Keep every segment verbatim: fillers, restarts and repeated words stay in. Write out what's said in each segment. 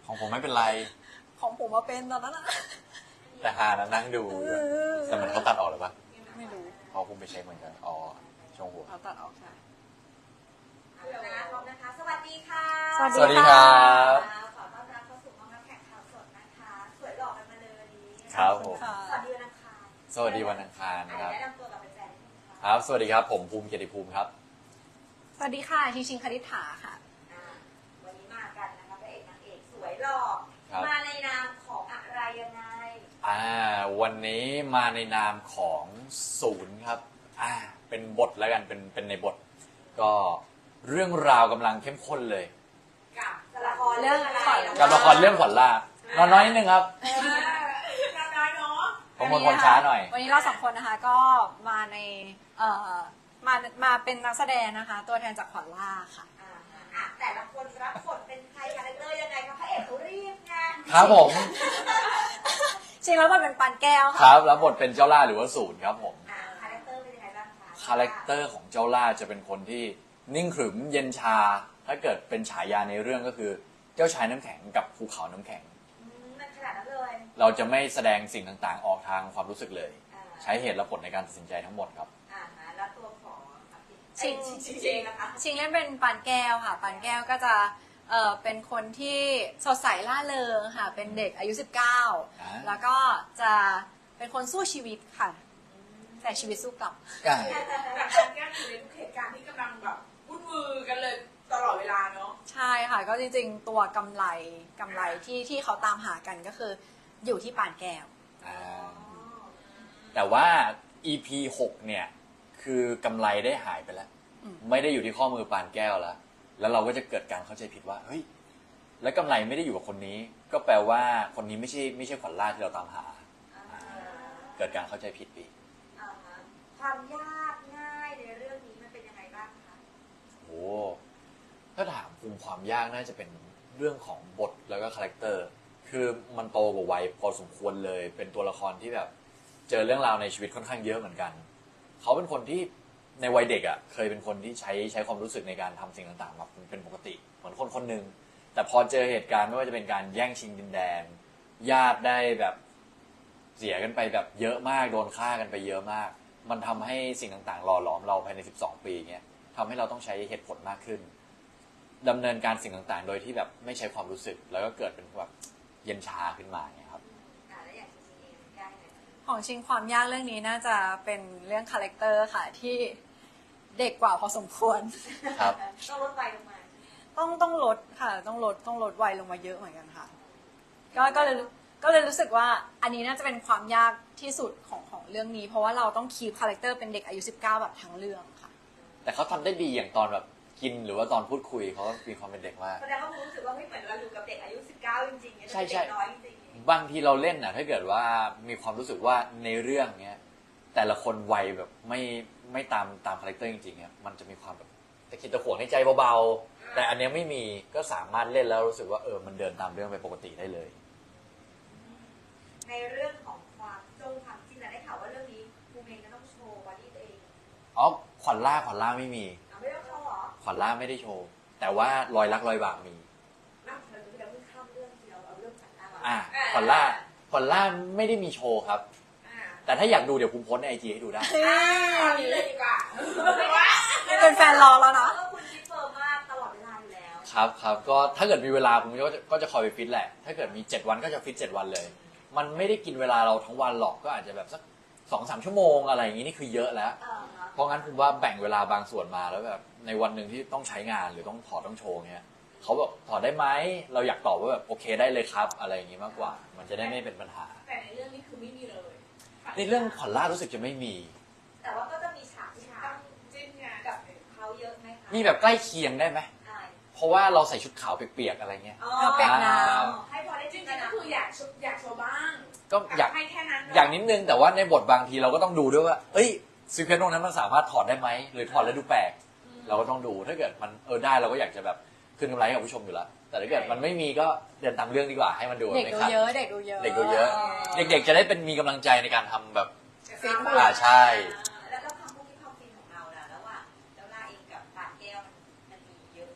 ของผมไม่เป็นไรของผมมาเป็นตอนนั้นอะแต่ฮานะนั่งดูแต่มันเขาตัดออกหรือปะไม่รู้เขาคงไปเช็คเหมือนกันอ๋อช่วงหัวเขาตัดออกใช่นะพร้อมนะคะสวัสดีค่ะสวัสดีครับขอต้อนรับเข้าสู่ห้องรับแขกข่าวสดนะคะสวยหล่อกันมาเลยวันนี้ครับผมสวัสดีวันอังคารสวัสดีวันอังคารนะครับแนะนำตัวกับแฟนๆครับสวัสดีครับผมภูมิเกียรติภูมิครับสวัสดีค่ะชิงชิงคณิษฐาค่ะวันนี้มากันนะคะพระเอกนางเอกสวยหล่อมาในนามของอะไรยังไงอ่าวันนี้มาในนามของศูนย์ครับอ่าเป็นบทแล้วกันเป็นเป็นในบทก็เรื่องราวกำลังเข้มข้นเลยกับละครเรื่องอะไรกับละครเรื่องขวัญล่านอนน้อยนิดนึงครับนอนน้อยเนาะผมเป็นคนช้าหน่อยวันนี้เราสองคนนะคะก็มาในเอ่อมามาเป็นนักแสดงนะคะตัวแทนจากขวัญล่าค่ะอ่าแต่ละคนรับบทเป็นใครคาแรคเตอร์ยังไงคะพระเอกเขารีบไงครับผมจริงแล้วมันเป็นปานแก้วค่ะครับแล้วบทเป็นเจ้าล่าหรือว่าศูนย์ครับผมคาแรคเตอร์เป็นยังไงบ้างคะคาแรคเตอร์ของเจ้าล่าจะเป็นคนที่นิ่งขรึมเย็นชาถ้าเกิดเป็นฉายาในเรื่องก็คือเจ้าชายน้ำแข็งกับภูเขาน้ำแข็งมันขนาดนั้นเลยเราจะไม่แสดงสิ่งต่างๆออกทางความรู้สึกเลยใช้เหตุและผลในการตัดสินใจทั้งหมดครับอ่าแล้วตัวของชิงชิงนะคะชิงเล่นเป็นปานแก้วค่ะปานแก้วก็จะเอ่อเป็นคนที่สดใสล่าเริงค่ะเป็นเด็กอายุสิบเก้าแล้วก็จะเป็นคนสู้ชีวิตค่ะแต่ชีวิตสู้กลับแต่การแก้อยู่ในทุกเหตุการณ์ที่กำลังแบบวุ่นวายกันเลยตลอดเวลาเนาะใช่ค่ะก็จริงๆตัวกำไรกำไรที่ที่เขาตามหากันก็คืออยู่ที่ปานแก้วแต่ว่า อี พี หกเนี่ยคือกำไรได้หายไปแล้วไม่ได้อยู่ที่ข้อมือปานแก้วแล้วแล้วเราก็จะเกิดการเข้าใจผิดว่าเฮ้ยแล้วกำไรไม่ได้อยู่กับคนนี้ก็แปลว่าคนนี้ไม่ใช่ไม่ใช่ขวัญล่าที่เราตามหาเกิดการเข้าใจผิดไปความยากง่ายในเรื่องนี้มันเป็นยังไงบ้างคะโอ้ถ้าถามภูมิความยากน่าจะเป็นเรื่องของบทแล้วก็คาแรคเตอร์คือมันโตกว่าวัยพอสมควรเลยเป็นตัวละครที่แบบเจอเรื่องราวในชีวิตค่อนข้างเยอะเหมือนกันเขาเป็นคนที่ในวัยเด็กอ่ะเคยเป็นคนที่ใช้ใช้ความรู้สึกในการทำสิ่งต่างๆมาเป็นปกติเหมือนคนคนหนึ่งแต่พอเจอเหตุการณ์ไม่ว่าจะเป็นการแย่งชิงดินแดนญาติได้แบบเสียกันไปแบบเยอะมากโดนฆ่ากันไปเยอะมากมันทำให้สิ่งต่างๆหล่อหลอมเราภายในสิบสองปีเงี้ยทำให้เราต้องใช้เหตุผลมากขึ้นดำเนินการสิ่งต่างๆโดยที่แบบไม่ใช้ความรู้สึกแล้วก็เกิดเป็นแบบเย็นชาขึ้นมาเนี่ยครับของชิงความยากเรื่องนี้น่าจะเป็นเรื่องคาแรคเตอร์ค่ะที่เด็กกว่าพอสมควรครับต้องลดวัยลงมาต้องต้องลดค่ะต้องลดต้องลดวัยลงมาเยอะเหมือนกันค่ะก็ก็เลยก็เลยรู้สึกว่าอันนี้น่าจะเป็นความยากที่สุดของของเรื่องนี้เพราะว่าเราต้องคีปคาแรคเตอร์เป็นเด็กอายุสิบเก้าแบบทั้งเรื่องค่ะแต่เขาทำได้ดีอย่างตอนแบบกินหรือว่าตอนพูดคุยเขามีความเป็นเด็กมากแสดงว่าผมรู้สึกว่าไม่เหมือนเราอยู่กับเด็กอายุสิบเก้าจริงๆใช่ใช่น้อยจริงบางทีเราเล่นน่ะถ้าเกิดว่ามีความรู้สึกว่าในเรื่องเนี้ยแต่ละคนวัยแบบไม่ไม่ตามตามคาแรคเตอร์จริงๆเนี่ยมันจะมีความแบบตะคิดตะขวงในใจเบาๆแต่อันเนี้ยไม่มีก็สามารถเล่นแล้วรู้สึกว่าเออมันเดินตามเรื่องไปปกติได้เลยในเรื่องของความจงความจริงนะได้ข่าวว่าเรื่องนี้ภูมิเองก็ต้องโชว์บอดี้ตัวเองอ๋อขวัญล่าขวัญล่าไม่มีไม่ได้โชว์หรอขวัญล่าไม่ได้โชว์แต่ว่ารอยรักรอยบากมีอ่าขวัญล่าขวัญล่าไม่ได้มีโชว์ครับแต่ถ้าอยากดูเดี๋ยวภูมิโพสในไอจีให้ดูได้เลยดีกว่าเป็นแฟนรอแล้วนะคุณคิดเฟิร์มมากตลอดเวลาอยู่แล้วครับครับก็ถ้าเกิดมีเวลาผมก็จะก็จะคอยไปฟิตแหละถ้าเกิดมีเจ็ดวันก็จะฟิตเจ็ดวันเลยมันไม่ได้กินเวลาเราทั้งวันหรอกก็อาจจะแบบสักสองสามชั่วโมงอะไรอย่างนี้นี่คือเยอะแล้วเพราะงั้นผมว่าแบ่งเวลาบางส่วนมาแล้วแบบในวันหนึ่งที่ต้องใช้งานหรือต้องถอดต้องโชว์เงี้ยเขาบอกถอดได้ไหมเราอยากตอบว่าแบบโอเคได้เลยครับอะไรอย่างนี้มากกว่ามันจะได้ไม่เป็นปัญหาแต่ในเรื่องนี้คือไม่มีเลยในเรื่องขวัญล่ารู้สึกจะไม่มีแต่ว่าก็จะมีฉากที่ต้องจิ้นกับเขาเยอะไหมคะมีแบบใกล้เคียงได้ไหมเพราะว่าเราใส่ชุดขาวเปียกๆอะไรเงี้ยเปียกน้ำให้พอได้จิ้นก็คืออยากอยากโชว์บ้างก็อยากให้แค่นั้นอย่างนิดนึงแต่ว่าในบทบางทีเราก็ต้องดูด้วยว่าเอ้ยซีเควนต์ตรงนั้นมันสามารถถอดได้ไหมหรือถอดแล้วดูแปลกเราก็ต้องดูถ้าเกิดมันเออได้เราก็อยากจะแบบคืนกำไรให้กับผู้ชมอยู่แล้วแต่ถ้าเกิดมันไม่มีก็เดินตามเรื่องดีกว่าให้มันดูเด็กดูเยอะเด็กดูเยอะเด็กดูเยอะเด็กๆจะได้เป็นมีกำลังใจในการทำแบบฟิตอ่าใช่แล้วก็ความพวกที่ความฟินของเราล่ะแล้วว่าแล้วล่าเองกับปานแก้วมันมีเยอะไหมคะ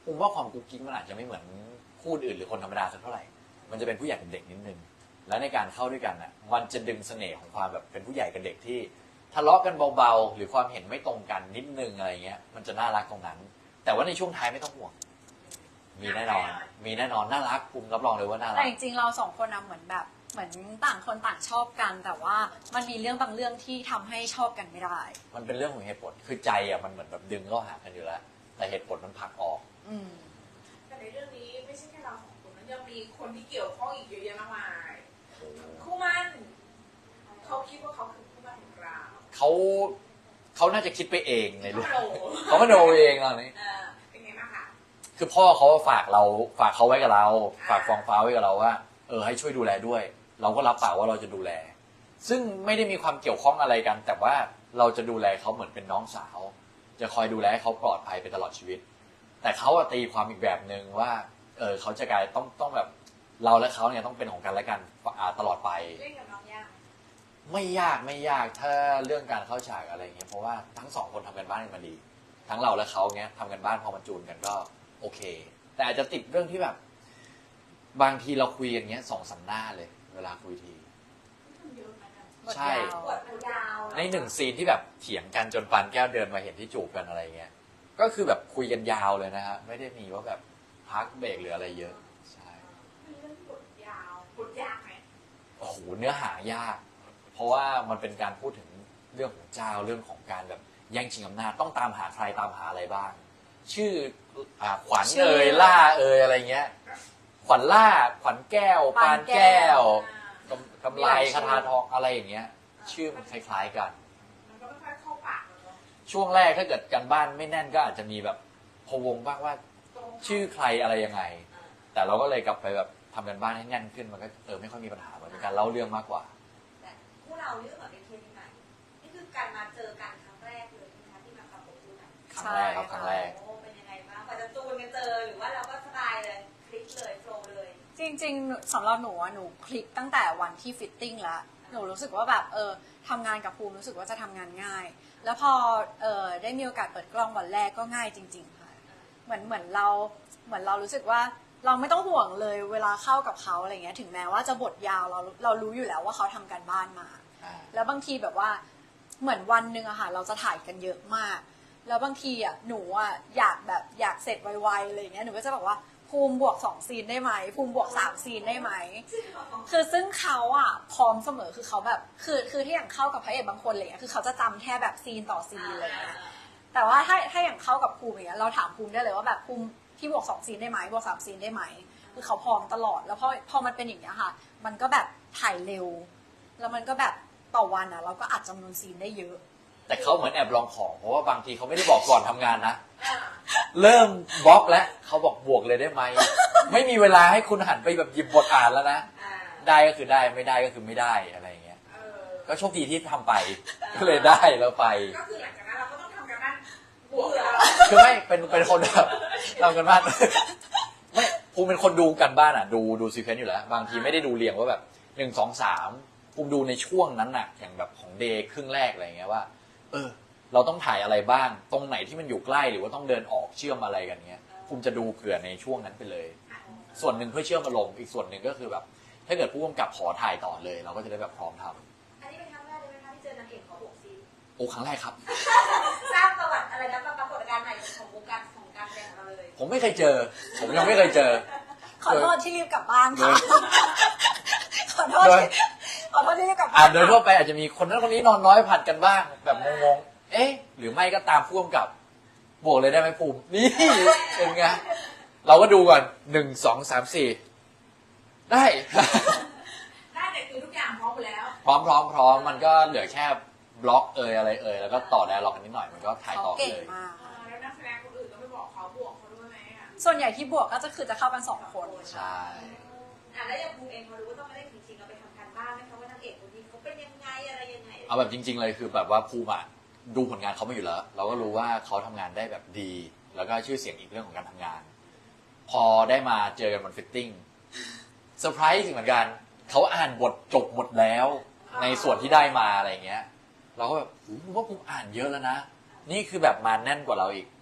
ผมว่าความกุ๊กกิ๊กมันอาจจะไม่เหมือนคู่อื่นหรือคนธรรมดาสักเท่าไหร่มันจะเป็นผู้ใหญ่กับเด็กนิดนึงแล้วในการเข้าด้วยกันน่ะมันจะดึงเสน่ห์ของความแบบเป็นผู้ใหญ่กับเด็กที่ทะเลาะกันเบาๆหรือความเห็นไม่ตรงกันนิดนึงอะไรเงี้ยมันจะน่ารักตรงนั้น แต่ว่าในช่วงท้ายไม่ต้องห่วงมีแน่นอนมีแน่นอนน่ารักภูมิรับรองเลยว่าน่ารัแต่กจริงๆเราสองคนนะเหมือนแบบเหมือนต่างคนต่างชอบกัน แต่ว่ามันมีเรื่องบางเรื่องที่ทำให้ชอบกันไม่ได้มันเป็นเรื่องของเหตุผลคือใจอ่ะมันเหมือนแบบดึงเข้าหากันอยู่แล้วแต่เหตุผลมันผลักออกอืมแต่ในเรื่องนี้ไม่ใช่แค่เราสองคนมันยังมีคนที่เกี่ยวข้องอีกเยอะแยะมากมายคู่มั่นเขาคิดว่าเขาคือคู่มั่นของเราเขาเขาน่าจะคิดไปเองในเรื่องเขาโหเขามาโดเองตอนนี้เออเป็นไงบ้างคะคือพ่อเขาฝากเราฝากเขาไว้กับเรา ฝากฟองฟ้าไว้กับเราว่าเออให้ช่วยดูแลด้วย เราก็รับปากว่าเราจะดูแล ซึ่งไม่ได้มีความเกี่ยวข้องอะไรกัน แต่ว่าเราจะดูแลเขาเหมือนเป็นน้องสาว จะคอยดูแลให้เขาปลอดภัยไปตลอดชีวิต แต่เขาอะตีความอีกแบบหนึ่งว่าเออเขาจะกลายต้องต้องแบบเราและเขาเนี่ยต้องเป็นของกันและกันอ่าตลอดไปเล่นกับน้องยากไหมไม่ยากไม่ยากถ้าเรื่องการเข้าฉากอะไรเงี้ยเพราะว่าทั้งสองคนทำกันบ้านกันมาดี ทั้งเราและเขาเงี้ยทำกันบ้านพอมันจูนกันก็โอเค แต่อาจจะติดเรื่องที่แบบ บางทีเราคุยกันเงี้ยสองสามหน้าเลย เวลาคุยทีมันเยอะเหมือนกันบทใช่ยาวบทมันยาวในหนึ่งซีนที่แบบเถียงกันจนปานแก้วเดินมาเห็นที่จูบกันอะไรเงี้ยก็คือแบบคุยกันยาวเลยนะฮะไม่ได้มีว่าแบบพักเบรกหรืออะไรเยอะใช่เป็นเรื่องที่บทยาวบทยากไหมโอ้โหเนื้อหายาก เพราะว่ามันเป็นการพูดถึงเรื่องของเจ้าเรื่องของการแบบแย่งชิงอำนาจต้องตามหาใครตามหาอะไรบ้าง ชื่ออ่าขวัญชื่อเอ่ยล่าเอ่ยอะไรเงี้ย ขวัญล่าขวัญแก้ว ปานแก้วอ่ากำกำไรคาถาทองอะไรอย่างเงี้ย ชื่อมันคล้ายๆกันมันก็ไม่ค่อยเข้าปากเราเนอะช่วงแรกถ้าเกิดกันบ้านไม่แน่นก็อาจจะมีแบบพะวงบ้างว่าตรงชื่อใครอะไรยังไง แต่เราก็เลยกลับไปแบบทำกันบ้านให้แน่นขึ้นมันก็เออไม่ค่อยมีปัญหาเหมือนเป็นการเล่าเรื่องมากกว่าแต่คู่เรานี่ก็เหมือนเป็นเคสใหม่นี่คือการมาเจอกันครั้งแรกเลยนะคะที่มาประกบคู่กันครั้งแรกครับครั้งแรกโอ้เป็นยังไงบ้างกว่าจะจูนกันเจอหรือว่าเราก็สบายเลยคลิกเลยโฟลว์เลยจริงๆสำหรับหนูอะหนูคลิกตั้งแต่วันที่ฟิตติ้งแล้วหนูรู้สึกว่าแบบเออทำงานกับภูมิรู้สึกว่าจะทำงานง่าย แล้วพอเออได้มีโอกาสเปิดกล้องวันแรกก็ง่ายจริง ๆค่ะเหมือนเหมือนเราเหมือนเรารู้สึกว่าเราไม่ต้องห่วงเลยเวลาเข้ากับเขาอะไรเงี้ยถึงแม้ว่าจะบทยาวเราเรารู้อยู่แล้วว่าเขาทำการบ้านมาอ่าแล้วบางทีแบบว่าเหมือนวันหนึ่งอะค่ะเราจะถ่ายกันเยอะมาก แล้วบางทีอะหนูอะอยากแบบอยากเสร็จไวๆอะไรอย่างเงี้ยหนูก็จะบอกว่าภูมิบวกสองซีนได้ไหมภูมิบวกสามซีนได้ไหมคือซึ่งเขาอะพร้อมเสมอคือเขาแบบคือคือที่อย่างเข้ากับพระเอกบางคนอะไรเงี้ยคือเขาจะจำแค่แบบซีนต่อซีนอะไรเงี้ยแต่ว่าถ้าถ้าอย่างเข้ากับภูมิอย่างเงี้ยเราถามภูมิได้เลยว่าแบบภูมิพี่บวกสองซีนได้ไหมบวกสามซีนได้ไหมคือเขาพร้อมตลอดแล้วพอพอมันเป็นอย่างเงี้ยค่ะ มันก็แบบถ่ายเร็ว แล้วมันก็แบบต่อวันอะเราก็อัดจำนวนซีนได้เยอะแต่เขาเหมือนแอบลองของเพราะว่าบางทีเขาไม่ได้บอกก่อนทำงานนะอ่าเริ่มบล็อกแล้วเขาบอกบวกเลยได้ไหม ไม่มีเวลาให้คุณหันไปแบบหยิบบทอ่านแล้วนะอ่าได้ก็คือได้ไม่ได้ก็คือไม่ได้อะไรอย่างเงี้ยเออก็โชคดีที่ทำไป ก็เลยได้แล้วไปก็คือหลังจากนั้นเราก็ต้องทำกันบ้านบวกแล้วคือไม่เป็นเป็นคนแบบทำกันบ้าน ไม่ภูมิเป็นคนดูกันบ้านอ่ะ ดูดูซีเควนต์อยู่แล้ว บางทีไม่ได้ดูเรียงว่าแบบหนึ่งสองสามภูมิดูในช่วงนั้นน่ะ อย่างแบบของเดย์ครึ่งแรกอะไรเงี้ยว่า เออ เราต้องถ่ายอะไรบ้าง ตรงไหนที่มันอยู่ใกล้หรือว่าต้องเดินออกเชื่อมอะไรกันเงี้ยภูมิจะดูเผื่อในช่วงนั้นไปเลย ส่วนหนึ่งเพื่อเชื่อมอารมณ์อีกส่วนหนึ่งก็คือแบบ ถ้าเกิดผู้กำกับขอถ่ายต่อเลย เราก็จะได้แบบพร้อมทำอันนี้เป็นครั้งแรกเลยไหมคะที่เจอนางเอกขอบวกซีนโอ้ครั้งแรกครับสร้างประวัติอะไรนะปรากฏการณ์ใหม่ของวงการของการแสดงของเราเลยผมไม่เคยเจอ ผมยังไม่เคยเจอขอโทษที่รีบกลับบ้านค่ะ ขอโทษโดยที่ขอโทษที่รีบกลับอ่าบ้านโดยทั่วไปอาจจะมีคนนั้นคนนี้นอนน้อยผัดกันบ้าง แบบงงๆ เอ๊ะ หรือไม่ก็ตามผู้กำกับบวกเลยได้ไหมภูมิ นี่เป็นไง เราก็ดูก่อนหนึ่งสองสามสี่ได้ได้แต่คือทุกอย่างพร้อมหมดแล้วพร้อมพร้อมพร้อมมันก็เหลือแค่บล็อกเอยอะไรเอยแล้วก็ต่อไดอะล็อกกันนิดหน่อยมันก็ถ่ายเขาต่อเก่งเลยมากอ่าแล้วนักแสดงคนอื่นก็ไม่บอกเขาบวกเขาด้วยไหมอ่ะส่วนใหญ่ที่บวกก็จะคือจะเข้ากันสองคนใช่อ่ะแล้วอย่างภูมิเองพอรู้ว่าต้องมาเล่นจริงๆเราไปทำการบ้านไหมคะว่านางเอกคนนี้เขาเป็นยังไงอะไรยังไงเอาแบบจริง ๆ เลยคือแบบว่าภูมิอะดูผลงานเขามาอยู่แล้ว เราก็รู้ว่าเขาทำงานได้แบบดี แล้วก็ชื่อเสียงอีกเรื่องของการทำงาน พอได้มาเจอกันบนฟิตติ้งเซอร์ไพรส์เหมือนกันเขาอ่านบทจบหมดแล้ว ในส่วนที่ได้มาอะไรเงี้ย เราก็แบบโอ้โหว่าภูมิอ่านเยอะแล้วนะ นี่คือแบบมาแน่นกว่าเราอีก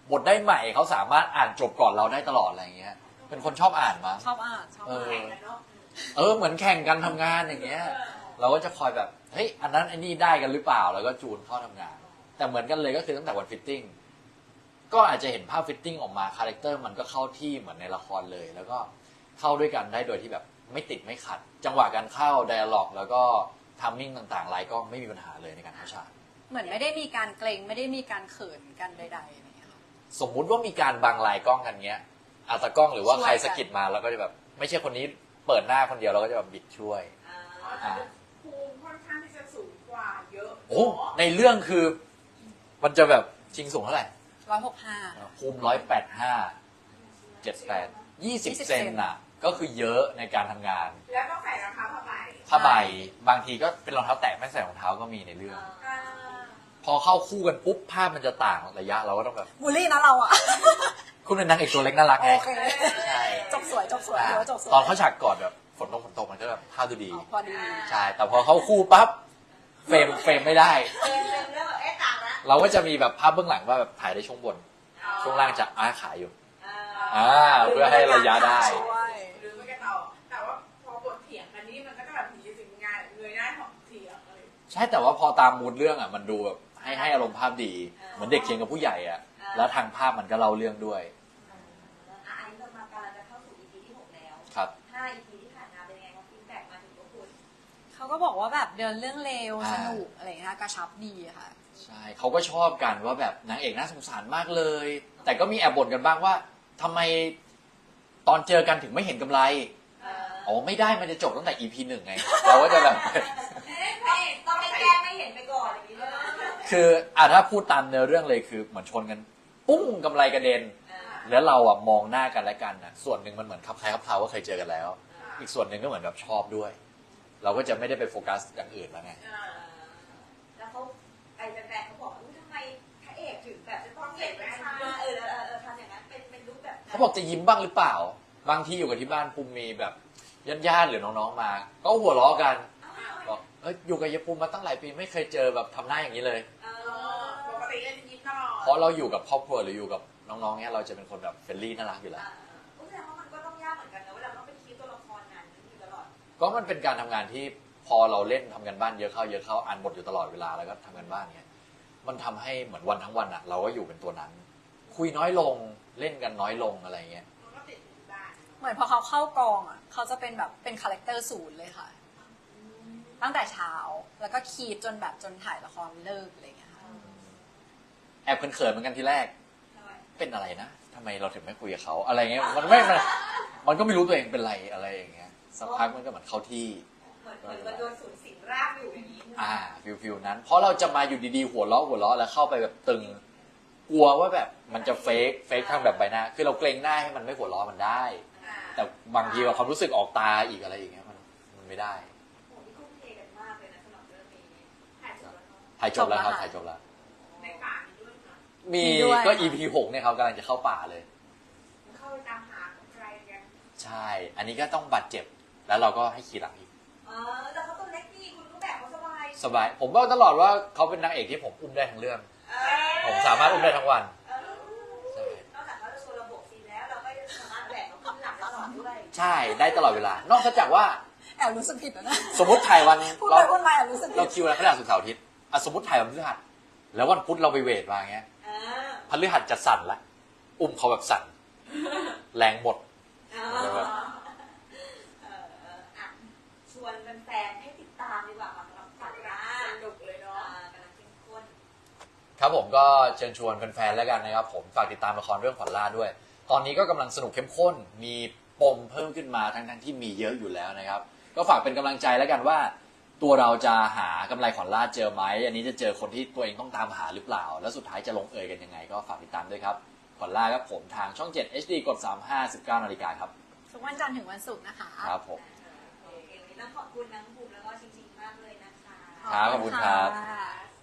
บทได้ใหม่เขาสามารถอ่านจบก่อนเราได้ตลอดอะไรอย่างเงี้ย เป็นคนชอบอ่านมั้งชอบอ่านชอบเออ่านอแข่งกันเนาะเออเหมือนแข่งกันทำงานอย่างเงี้ย เราก็จะคอยแบบเฮ้ยอันนั้นอันนี้ได้กันหรือเปล่าแล้วก็จูนเข้าทำงาน แต่เหมือนกันเลยก็คือตั้งแต่วันฟิตติ้งก็อาจจะเห็นภาพฟิตติ้งออกมาคาแรคเตอร์มันก็เข้าที่เหมือนในละครเลย แล้วก็เข้าด้วยกันได้โดยที่แบบไม่ติดไม่ขัด จังหวะการเข้าไดอะล็อกแล้วก็ทัมมิ่งต่างๆไลน์ก็ไม่มีปัญหาเลยในการเข้าฉากเหมือนไม่ได้มีการเกรงไม่ได้มีการเขินกันใดๆอะไรอย่างเงี้ยค่ะสมมุติว่ามีการบังลายกล้องกันเงี้ยอาตากล้องหรือว่าช่วยใครกันสะกิดมาเราก็จะแบบไม่ใช่คนนี้เปิดหน้าคนเดียวเราก็จะแบบบิดช่วยอ่าภูมิค่อนข้างที่จะสูงกว่าเยอะโอ้ในเรื่องคือมันจะแบบชิงสูงเท่าไหร่ร้อยหกห้าภูมิร้อยแปดห้าเจ็ดแปดยี่สิบยี่สิบเซนน่ะ ก็คือเยอะในการทำงานแล้วต้องใส่รองเท้าผ้าใบผ้าใบบางทีก็เป็นรองเท้าแตะไม่ใส่รองเท้าก็มีในเรื่องอ่าพอเข้าคู่กันปุ๊บภาพมันจะต่างระยะเราก็ต้องแบบบูลลี่นะเราอ่ะคุณเป็นนางเอกตัวเล็กน่ารักไงโอเคใช่จบสวยจบสวยอ่าถือว่าจบสวยตอนเขาฉากกอดแบบฝนตกฝนตกมันก็แบบภาพดูดีอ๋อพอดีใช่ แต่พอเข้าคู่ปั๊บเฟรมเฟรมไม่ได้เป็นเป็นเรื่องแบบเอ๊ะต่างละเราก็จะมีแบบภาพเบื้องหลังว่าแบบถ่ายได้ช่วงบน ช่วงล่างจะอ้าขาอยู่อ่าอ่าเพื่อให้ระยะได้ช่วยหรือไม่ก็ต่อแต่ว่าพอบทเถียงกันนี่มันก็จะแบบมีสิ่งงานเงยหน้าของเถียงอะไรใช่แต่ว่าพอตามมูดเรื่องอ่ะมันดูแบบให้ให้อารมณ์ภาพดี เหมือนเด็กเคียงกับผู้ใหญ่อ่ะแล้วทางภาพมันก็เล่าเรื่องด้วยอ่าอันนี้เรามากำลังจะเข้าสู่ อี พี ที่หกแล้วครับห้า อี พี ที่ผ่านมาเป็นยังไงครับฟีดแบ็กมาถึงพวกคุณเขาก็บอกว่าแบบเดินเรื่องเร็วอ่าสนุกอะไรอย่างเงี้ยกระชับดีอะค่ะใช่เขาก็ชอบกันว่าแบบนางเอกน่าสงสารมากเลย แต่ก็มีแอบบ่นกันบ้างว่าทำไมตอนเจอกันถึงไม่เห็นกำไรเอออ๋อไม่ได้มันจะจบตั้งแต่ อี พี หนึ่งไง เราก็จะแบบต้องให้แก้ไม่เห็นไปก่อนอย่างนี้เลยคืออ่ะถ้าพูดตามเนื้อเรื่องเลยคือเหมือนชนกัน ปุ้งกำไรกระเด็นอ่าแล้วเราอ่ะมองหน้ากันและกันนะส่วนหนึ่งมันเหมือนคับคล้ายคับคลาว่าเคยเจอกันแล้ว อีกส่วนหนึ่งก็เหมือนแบบชอบด้วย เราก็จะไม่ได้ไปโฟกัสอย่างอื่นแล้วไงอ่าแล้วเขาไอ้แฟนๆเขาบอกว่าอุ๊ยทำไมพระเอกถึงแบบจะต้องเห็นแว่นมาเออเออเออทำอย่างนั้นเป็นเป็นรูปแบบนั้นเขาบอกจะยิ้มบ้างหรือเปล่า บางทีอยู่กับที่บ้านภูมิมีแบบญาติๆหรือน้องๆมา ก็หัวเราะกันบอกเอ้ยอยู่กับยายภูมิมาตั้งหลายปีไม่เคยเจอแบบทำหน้าอย่างนี้เลยเอเอออปกติจะยิ้มตลอดเพราะเราอยู่กับครอบครัวหรืออยู่กับน้องๆเนี่ยเราจะเป็นคนแบบเฟรนลี่น่ารักอยู่แล้วอ่าแสดงว่ามันก็ต้องยากเหมือนกันนะเวลาต้องไปคิดตัวละครนั้นอยู่ตลอดก็มันเป็นการทำงานที่พอเราเล่นทำกันบ้านเยอะเข้าเยอะเข้าอ่านบทอยู่ตลอดเวลาแล้วก็ทำกันบ้านเนี่ยมันทำให้เหมือนวันทั้งวันอะเราก็อยู่เป็นตัวนั้น คุยน้อยลงเล่นกันน้อยลงอะไรเงี้ยมันก็ติดอยู่บ้านเหมือนพอเขาเข้ากองอ่ะเขาจะเป็นแบบเป็นคาแรคเตอร์ศูนย์เลยค่ะ ตั้งแต่เช้าแล้วก็คีดจนแบบจนถ่ายละครเลิกอะไรอย่างเงี้ยค่ะแอบเขินๆเหมือนกันทีแรกทำไมเป็นอะไรนะทำไมเราถึงไม่คุยกับเขาอะไรเงี้ยมันไม่มันมันก็ไม่รู้ตัวเองเป็นไรอะไรอย่างเงี้ยสักพักมันก็เหมือนเข้าที่เหมือนเหมือนมันโดนสูญสิงร่างอยู่อย่างนี้อ่าฟิลฟิลนั้นเพราะเราจะมาอยู่ดีๆหัวเราะหัวเราะแล้วเข้าไปแบบตึง กลัวว่าแบบมันจะเฟกเฟกทางแบบใบหน้าคือเราเกรงหน้าให้มันไม่หัวเราะมันได้อ่าแต่บางทีว่าความรู้สึกออกตาอีกอะไรอย่างเงี้ยมันมันไม่ได้โหนี่ทุ่มเทกันมากเลยนะสำหรับเรื่องนี้ถ่ายจบแล้วเนาะถ่ายจบแล้วครับจบแล้วค่ะถ่ายจบแล้วในป่านี้ด้วยนะมีมีด้วยก็ค่ะอี พี หกเนี่ยเขากำลังจะเข้าป่าเลยมันเข้าไปตามหาของใครกันใช่ อันนี้ก็ต้องบาดเจ็บแล้วเราก็ให้ขี่หลังอีกเออแต่เขาตัวเล็กนี่คุณก็แบบเขาสบายสบาย ผมบอกตลอดว่าเขาเป็นนางเอกที่ผมอุ้มได้ทั้งเรื่องเออผมสามารถอุ้มได้ทั้งวันเออนอกจากเขาจะโชว์ระบบซีนแล้วเราก็จะสามารถแบกเขาขึ้นหลังตลอดด้วยใช่ได้ตลอดเวลา นอกจากว่าแอบรู้สึกผิดแล้วนะสมมติถ่ายวันพูดเราไปพูดมาแอบรู้สึกผิเราดคิวแล้วพฤหัสศุกร์เสาร์อาทิตย์อ่ะสมมติถ่ายวันพฤหัสแล้ววันพุธเราไปเวทมาเงี้ยเออพฤหัสจะสั่นละอุ้มเขาแบบสั่นแรงหมดเออเออเอออ่ะชวนแฟนๆให้ติดตามดีกว่าค่ะสำหรับฝันร้าสนุกเลยอ่เนาะากำลังเข้มข้นครับผมก็เชิญชวนแฟนๆแล้วกันนะครับผมฝากติดตามละครเรื่องขวัญล่าด้วย ตอนนี้ก็กำลังสนุกเข้มข้น มีปมเพิ่มขึ้นมาทั้งๆที่มีเยอะอยู่แล้วนะครับ ก็ฝากเป็นกำลังใจแล้วกันว่า ตัวเราจะหากำไรขวัญล่าเจอไหมอันนี้จะเจอคนที่ตัวเองต้องตามหาหรือเปล่า แล้วสุดท้ายจะลงเอยกันยังไง ก็ฝากติดตามด้วยครับขวัญล่าครับผมทางช่อง เจ็ด เอช ดี กดสามห้า สิบเก้านาฬิกาครับทุกวันจันทร์ถึงวันศุกร์นะคะครับผมโอเควันนี้ต้องขอบคุณน้องภูมิแล้วก็ชิงๆมากเลยนะคะครับขอบคุณครับะ